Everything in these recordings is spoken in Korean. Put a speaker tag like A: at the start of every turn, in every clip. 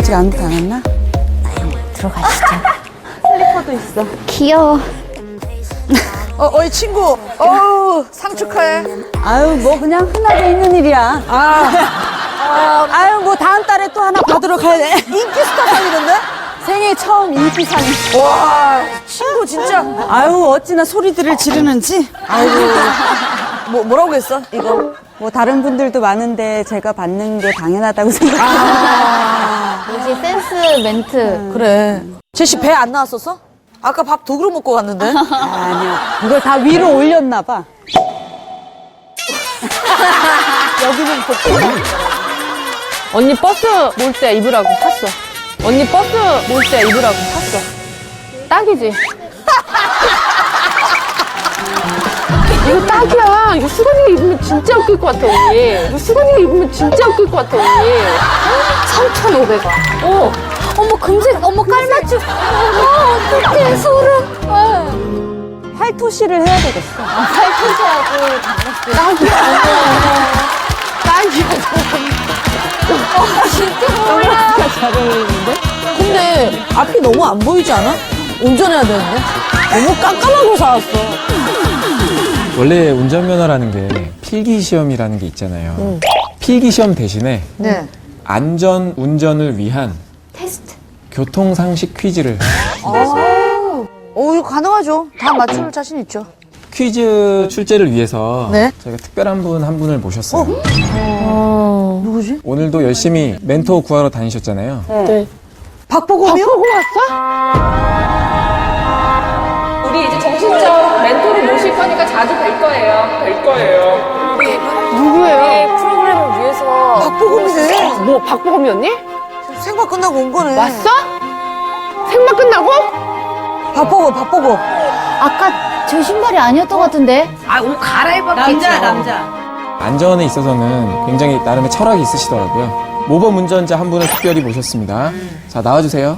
A: 아직 아무도 안 왔나?
B: 들어가시죠.
A: 슬리퍼도 있어.
B: 귀여워.
C: 어이 친구. 상 축하해.
A: 아유, 뭐 그냥 흔하게 있는 일이야. 아유, 뭐 다음 달에 또 하나 받으러 가야 돼.
C: 인기 스타 상이던데?
A: 생애 처음 인기상이.
C: 와, 친구 진짜.
A: 아유, 어찌나 소리들을 지르는지.
C: 아이고. 뭐라고 했어? 이거.
A: 뭐 다른 분들도 많은데 제가 받는 게 당연하다고 생각해요.
B: 역시 센스 멘트.
C: 그래. 제시 배 안 나왔었어? 아까 밥 두 그릇 먹고 갔는데?
A: 아니요. 이걸 다 위로 올렸나 봐. 여기는 복부.
D: 언니 버스 몰 때 입으라고 샀어. 언니 버스 몰 때 입으라고 샀어. 딱이지? 이거 딱이야. 이거 수건이가 입으면 진짜 웃길 것 같아, 언니. 이거 수건이가 입으면 진짜 웃길 것 같아, 언니. 3,500원.
B: 어머, 금색, 어머, 깔맞춤. 어떡해, 소름.
A: 팔토시를 해야 되겠어.
B: 팔토시하고 단박스.
D: 딱이야.
B: 진짜 몰라.
A: 잘 어울리는데?
C: 근데 앞이 너무 안 보이지 않아? 운전해야 되는데? 너무 깜깜하고 사왔어.
E: 원래 운전면허라는 게 필기시험이라는 게 있잖아요. 필기시험 대신에
C: 네.
E: 안전 운전을 위한
B: 테스트.
E: 교통상식 퀴즈를
C: 이거 가능하죠. 다 맞출 자신 있죠.
E: 퀴즈 출제를 위해서
C: 네.
E: 저희가 특별한 분 한 분을 모셨어요.
C: 누구지?
E: 오늘도 열심히 멘토 구하러 다니셨잖아요.
D: 네.
C: 박보검이요?
D: 보고 왔어? 우리 이제 정신적 멘토를 모실 거니까 자주 뵐 거예요. 누구예요?
B: 프로그램을 위해서.
C: 박보검이네.
D: 뭐 박보검이었니?
C: 생방 끝나고 온 거네.
D: 왔어? 생방 끝나고?
C: 박보검.
B: 아까 저 신발이 아니었던 것 같은데?
A: 남자.
E: 안전에 있어서는 굉장히 나름의 철학이 있으시더라고요. 모범 운전자 한 분을 특별히 모셨습니다. 자, 나와주세요.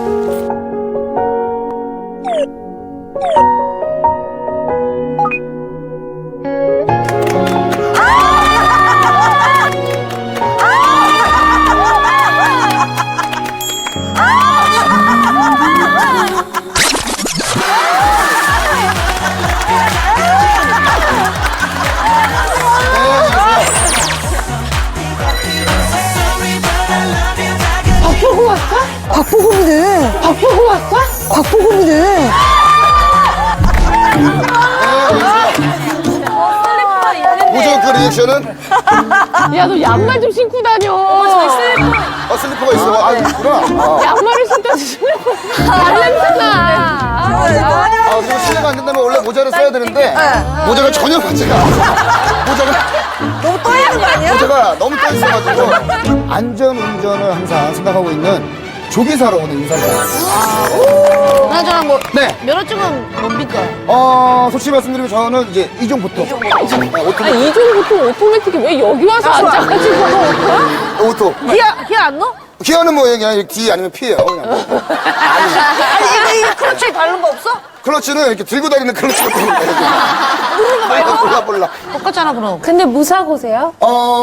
D: 박보고 왔어?
C: 박보검이네.
D: 박보고 왔어?
C: 박보검이네.
F: 뭐죠 그 리액션은?
D: 야, 너 양말 좀 신고 다녀.
F: 슬리퍼가 있어. 아, 있구나.
D: 양말을 신다 슬리퍼. 냄새나.
F: 그리고 실례가 안 된다면 원래 모자를 써야 되는데 모자가 전혀 맞지가 않아.
C: 너무 떠 있는 거 아니야?
F: 모자가 너무 떠 있어가지고 안전 운전을 항상 생각하고 있는 조기사로 오늘 인사를 드립니다.
C: 그나저나 뭐
F: 네.
C: 면허증은 뭡니까?
F: 솔직히 말씀드리면 저는 이제 이종부터.
D: 아니, 이종부터 오토매틱이 왜 여기 와서 앉아가지고
F: 오토.
C: 기아 안 넣어?
F: 기어는 뭐 그냥 D 아니면 P예요. 그냥.
C: 아니 이거 크러치 바른 거 없어?
F: 클러치는 이렇게 들고 다니는 클러치가 되는 거예요. 몰라.
C: 똑같잖아 그럼.
B: 근데 무사고세요?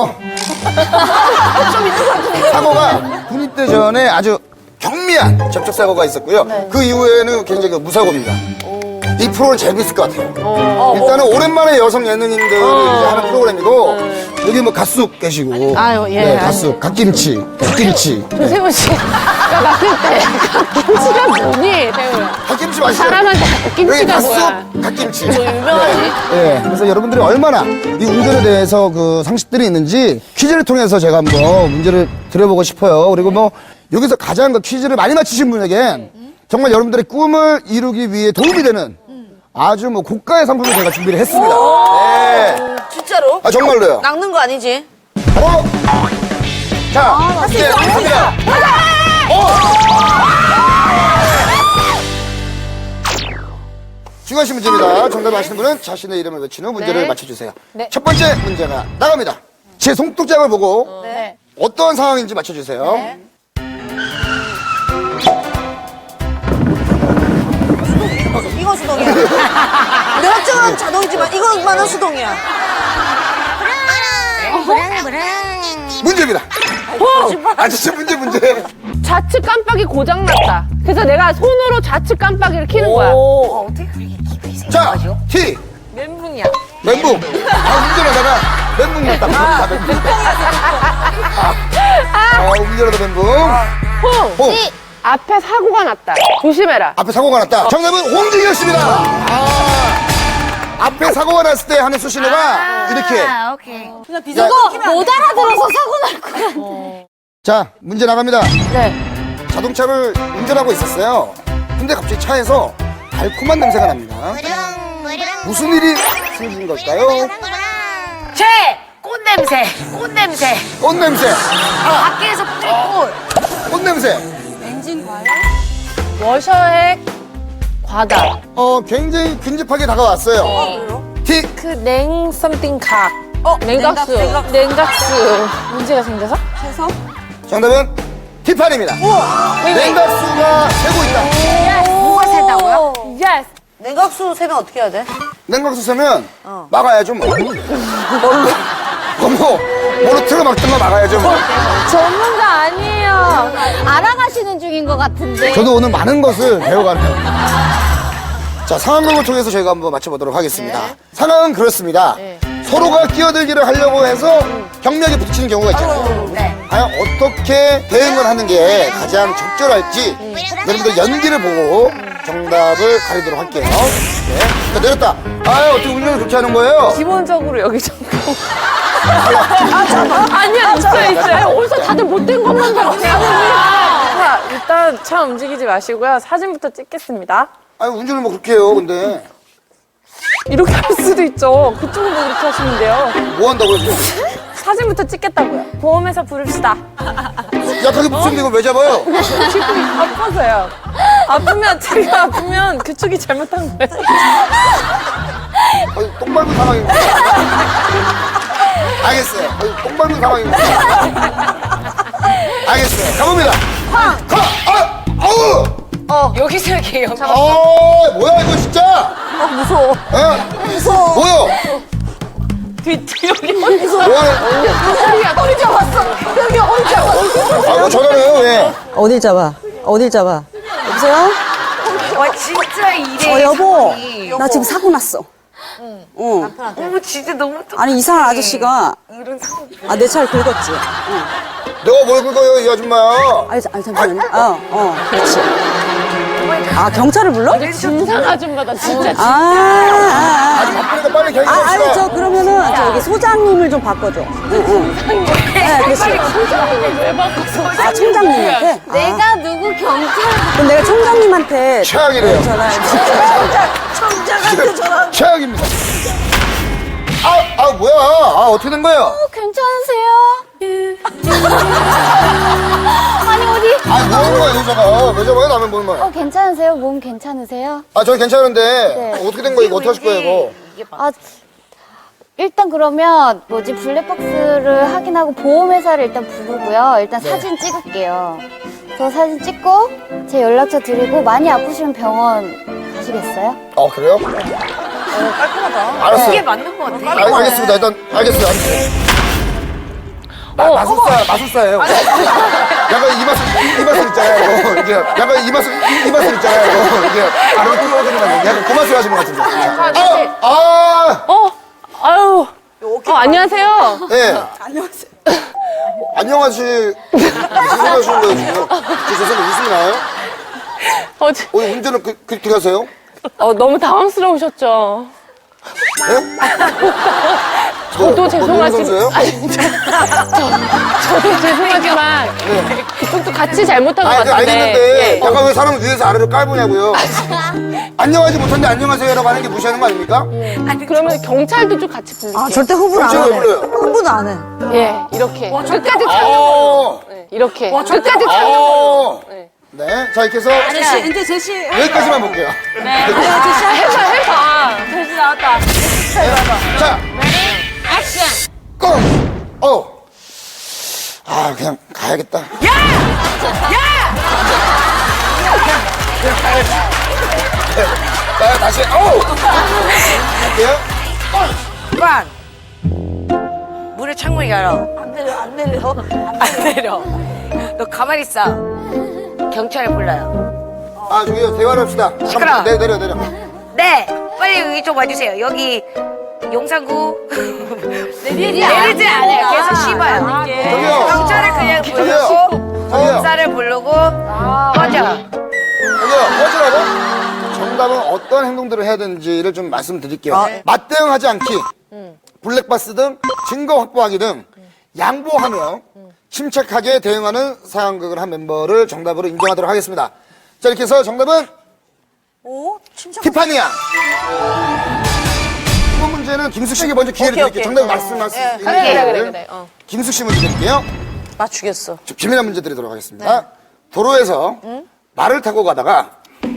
F: 사고가 군입대 전에 아주 경미한 접촉 사고가 있었고요. 그 이후에는 굉장히 무사고입니다. 이 프로그램 재밌을 것 같아요. 일단은 오랜만에 여성 예능인들이 이제 하는 프로그램이고 여기 뭐 갓숙 계시고,
C: 아유, 예.
F: 네, 갓숙, 갓김치.
D: 세훈 씨가 봤을 때 김치가 뭐니, 세훈아?
F: 갓김치 맛있어요.
D: 사람한테
F: 여기
D: 김치가 뭐야?
F: 갓숙, 갓김치.
C: 유명하지.
F: 네, 그래서 여러분들이 얼마나 이 운전에 대해서 그 상식들이 있는지 퀴즈를 통해서 제가 한번 문제를 드려보고 싶어요. 그리고 뭐 여기서 가장 그 퀴즈를 많이 맞히신 분에겐 정말 여러분들의 꿈을 이루기 위해 도움이 되는 아주 뭐 고가의 상품을 제가 준비를 했습니다. 네.
C: 진짜로?
F: 정말로요.
C: 낚는 거 아니지?
F: 자, 이제 갑니다. 중요하신 문제입니다. 정답을 아시는 분은 자신의 이름을 외친 후 문제를 맞춰주세요. 첫 번째 문제가 나갑니다. 제 손톱장을 보고 어떤 상황인지 맞춰주세요.
C: 이거 수동이야. 면허증은 자동이지만 이것만은 수동이야.
F: 문제입니다. 진짜 문제.
D: 좌측 깜빡이 고장났다. 그래서 내가 손으로 좌측 깜빡이를 켜는 거야.
F: 자, T. 멘붕이야. 멘붕. 운전하다가 멘붕 났다. 멘붕. 운전하다 멘붕. 홍.
D: 앞에 사고가 났다. 조심해라.
F: 앞에 사고가 났다. 정답은 홍진이었습니다. 앞에 사고가 났을 때 하는 수신호가 이렇게.
B: 오케이.
F: 자,
B: 못 알아들어서 사고 날 거야.
F: 자, 문제 나갑니다.
B: 네.
F: 자동차를 운전하고 있었어요. 근데 갑자기 차에서 달콤한 냄새가 납니다. 무슨 일이 생긴 걸까요?
G: 꽃냄새, 꽃냄새.
F: 꽃냄새.
G: 밖에서 뿌릴 꽃.
F: 꽃냄새.
D: 워셔액 과다.
F: 굉장히 근접하게 다가왔어요. T.
D: 그 냉 썸띵 각. 냉각수. 냉각수. 문제가 생겨서?
F: 정답은 T판입니다. 냉각수가 새고 있다.
G: 뭐가 샌다고요?
D: 예스.
A: 냉각수 세면 어떻게 해야 돼?
F: 냉각수 새면 막아야죠 뭐. 뭐로 틀어 막든가 막아야죠 뭐.
B: 전문가 아니에요. 알아가시는 중인 것 같은데.
F: 저도 오늘 많은 것을 배워가네요. 자, 상황극을 통해서 저희가 한번 맞춰보도록 하겠습니다. 상황은 그렇습니다. 서로가 끼어들기를 하려고 해서 경력에 부딪히는 경우가 있잖아요. 과연 어떻게 대응을 하는 게 가장 적절할지 여러분들 연기를 보고 정답을 가리도록 할게요. 네. 자, 내렸다. 어떻게 운전을 그렇게 하는 거예요?
D: 기본적으로 여기 잠깐. 아니야, 있어요. 어디서 다들 못된 것만 봤네. 자, 일단 차 움직이지 마시고요. 사진부터 찍겠습니다.
F: 운전을 뭐 그렇게 해요, 근데.
D: 이렇게 할 수도 있죠. 그쪽은 뭐 그렇게 하시면 돼요.
F: 뭐 한다고요, 지금?
D: 사진부터 찍겠다고요. 보험회사 부릅시다.
F: 약하게 붙였는데 이걸 왜 잡아요?
D: 아파서요. 아프면, 제가 아프면 그쪽이 잘못한 거예요.
F: 똥 밟은 상황입니다. 알겠어요. 똥 밟은 상황입니다. 알겠어요. 가봅니다.
G: 여기서 이렇게 요
F: 뭐야, 이거 진짜?
A: 무서워. 무서워.
F: 뭐야?
D: 여기
F: 뭐하는?
D: 허리 잡았어. 여기 허리 잡았어.
F: 뭐 전화해요, 왜?
A: 어딜 잡아? 어딜 잡아? 여보세요?
G: 와 진짜 이래.
A: 여보. 나 지금 사고 났어.
G: 어머 진짜 너무
A: 아니, 이상한 아저씨가 내 차를 긁었지.
F: 내가 뭘 긁어요, 이 아줌마야?
A: 아니, 잠시만요. 그렇지. 경찰을 불러?
D: 진상 아줌마다 진짜.
F: 바쁘니까 빨리 경찰합시다.
A: 그러면은 저기 소장님을 좀 바꿔줘. 네, 그렇지.
D: 왜 바꿨어?
A: 총장님한테?
B: 내가 누구 경찰?
A: 그럼 내가 총장님한테
F: 최악이래요.
A: 총장한테 전화.
F: 최악입니다. 뭐야? 어떻게 된 거예요?
B: 괜찮으세요? 아니 어디?
F: 뭐 하는 거야, 여자가? 왜 잡아요, 남의 몸을?
B: 괜찮으세요? 몸 괜찮으세요?
F: 저희 괜찮은데.
B: 네.
F: 어떻게 된 거예요? 이거 어떻게 하실 거예요, 이거?
B: 일단 그러면 보일러박스를 확인하고 보험회사를 일단 부르고요. 일단 사진 찍을게요. 저 사진 찍고 제 연락처 드리고 많이 아프시면 병원 가시겠어요?
F: 그래요?
G: 깔끔하다.
F: 알았어요.
G: 이게 맞는 것 같아.
F: 알겠습니다. 일단, 알겠어요. 마술사예요. 약간 이마술 있잖아요. 이게 약간 이마술 있잖아요. 이게 아래로 끌어오는 거 약간 그 맛을 하시는 것 같은데.
D: 아유. 안녕하세요.
F: 네. 안녕하세요. 무슨 하시는 거예요, 지금? 죄송해요, 웃음이 나요? 오늘 운전을 그렇게 하세요?
D: 너무 당황스러우셨죠?
F: 네?
D: 저도 죄송하지만.
F: 선수예요?
D: 저도 죄송하지만. 그쪽도 같이 잘못한 것 같은데.
F: 알겠는데, 약간 왜 사람을 위에서 아래로 깔보냐고요? 안녕하지 못한데 안녕하세요.라고 하는 게 무시하는 거 아닙니까?
D: 그러면 경찰도 좀 같이 부르세요.
A: 절대 흥분 안
F: 경찰을
A: 해.
F: 불러요.
A: 흥분 안 해.
D: 예, 이렇게. 끝까지 찾는 이렇게. 끝까지 찾는 거예요.
F: 네. 자, 이렇게 해서
A: 이제 제시.
F: 여기까지만 볼게요.
D: 해봐.
A: 제시 나왔다.
F: 자, 액션! 고! 그냥 가야겠다. 자, 다시, 할게요.
G: 문을 창문을 열어. 안 내려. 너 가만히 있어. 경찰 불러요.
F: 아, 저기요, 대화를 합시다.
G: 시끄러워.
F: 내려.
G: 네, 빨리 여기 좀 와주세요. 여기 용산구 내리지 않아요. 계속 씹어요.
F: 저기요.
G: 경찰을 그냥 부르고
F: 저기요.
G: 검사를 부르고 꺼져.
F: 저기요, 꺼지라고? 정답은 어떤 행동들을 해야 되는지를 좀 말씀드릴게요. 맞대응하지 않기, 블랙박스 등 증거 확보하기 등 양보하며 침착하게 대응하는 상황극을 한 멤버를 정답으로 인정하도록 하겠습니다. 자, 이렇게 해서 정답은 티파니야. 이번 문제는 김숙 씨에게 먼저 기회를 드릴게요. 정답을 말씀하세요.
D: 그래.
F: 김숙 씨 문제 드릴게요.
C: 맞추겠어.
F: 좀 재미난 문제 드리도록 하겠습니다. 도로에서 말을 타고 가다가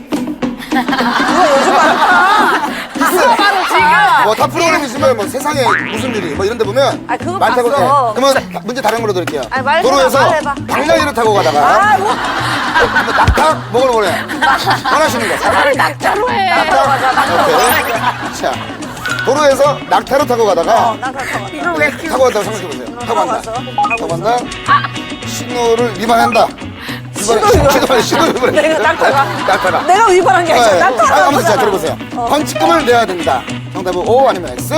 F: 뭐 다 프로그램이지만 뭐 세상에 무슨 일이 뭐 이런 데 보면
C: 그거
F: 말 타고
C: 봤어.
F: 그러면 문제 다른 걸로 드릴게요.
C: 말 해봐,
F: 도로에서
C: 말 해봐.
F: 방랑이를 타고 가다가 낙타 먹으러 보내 원하시는 거
D: 낙타로 해.
F: 오케이. 자 도로에서 낙타로 타고 가다가 타고 간다고 생각해보세요. 타고 간다 신호를 위반한다. 신호를 위반해.
C: 내가
F: 낙타가
C: 내가 위반한 게 아니라
F: 네.
C: 낙타가
F: 아무튼 자 들어보세요. 벌칙금을 내야 된다. 정답은 O 아니면 X?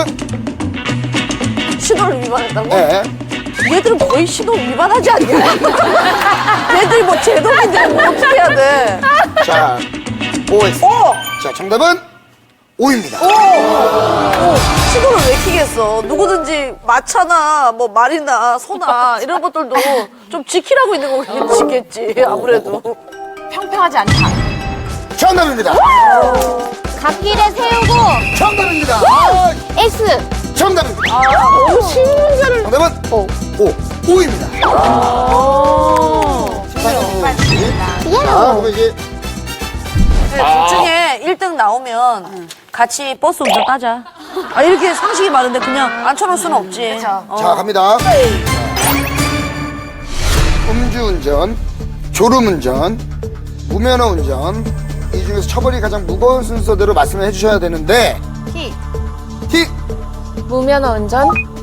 C: 신호를 위반했다고?
F: 네.
C: 얘들은 거의 신호 위반하지 않냐? 얘들이 뭐 제동인데 뭐 어떻게 해야 돼?
F: 자, OX. 자, 정답은 O입니다.
C: 신호를 왜 키겠어? 누구든지 마차나 뭐 말이나 소나 이런 것들도 좀 지키라고 있는 거겠지 아무래도.
D: 평평하지 않다.
F: 정답입니다.
B: 갓길에 세우고
F: 정답입니다.
B: X.
F: 정답입니다.
C: 신문제를
F: 정답은 O. O입니다. 자, 그럼 이제
C: 둘 중에 1등 나오면 같이 버스 운전 따자. 이렇게 상식이 많은데 그냥 앉혀놓을 수는 없지.
F: 자, 갑니다. 음주운전, 졸음운전, 무면허 운전 이 중에서 처벌이 가장 무거운 순서대로 말씀을 해주셔야 되는데
B: T.
F: T
D: 무면허 운전,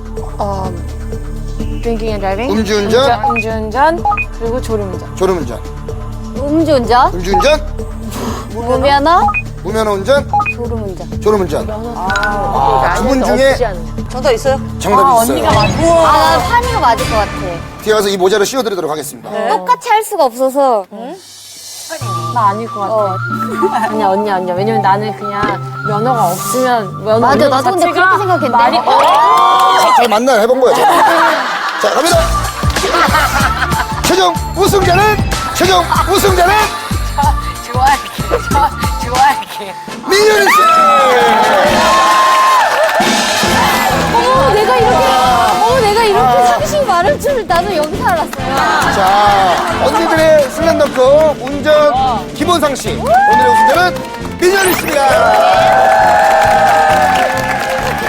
D: drinking and driving,
F: 음주운전,
D: 음주운전, 그리고 졸음운전.
F: 졸음운전,
B: 음주운전,
F: 음주운전,
B: 무면허,
F: 무면허 운전,
B: 졸음운전.
F: 졸음운전. 두 분 중에
C: 정답 있어요?
F: 정답이 있어요.
B: 난 판이가 맞을 것 같아.
F: 뒤에 가서 이 모자를 씌워드리도록 하겠습니다.
B: 똑같이 할 수가 없어서.
D: 나 아닐 것 같아. 아니야, 언니야. 왜냐면 나는 그냥 면허가 없으면 면허
B: 맞아, 나도 근데 그렇게 생각했는데.
D: 말이
F: 잘 만나 해본 거야. 자, 갑니다. 최종 우승자는
G: 좋아할게.
F: 민현이 씨.
B: 내가 이렇게 상식 많을 줄 나도 여기서 알았어요.
F: 자, 언니들의 슬램덩크 운전 기본 상식. 오늘의 우승자는 민현이 씨입니다.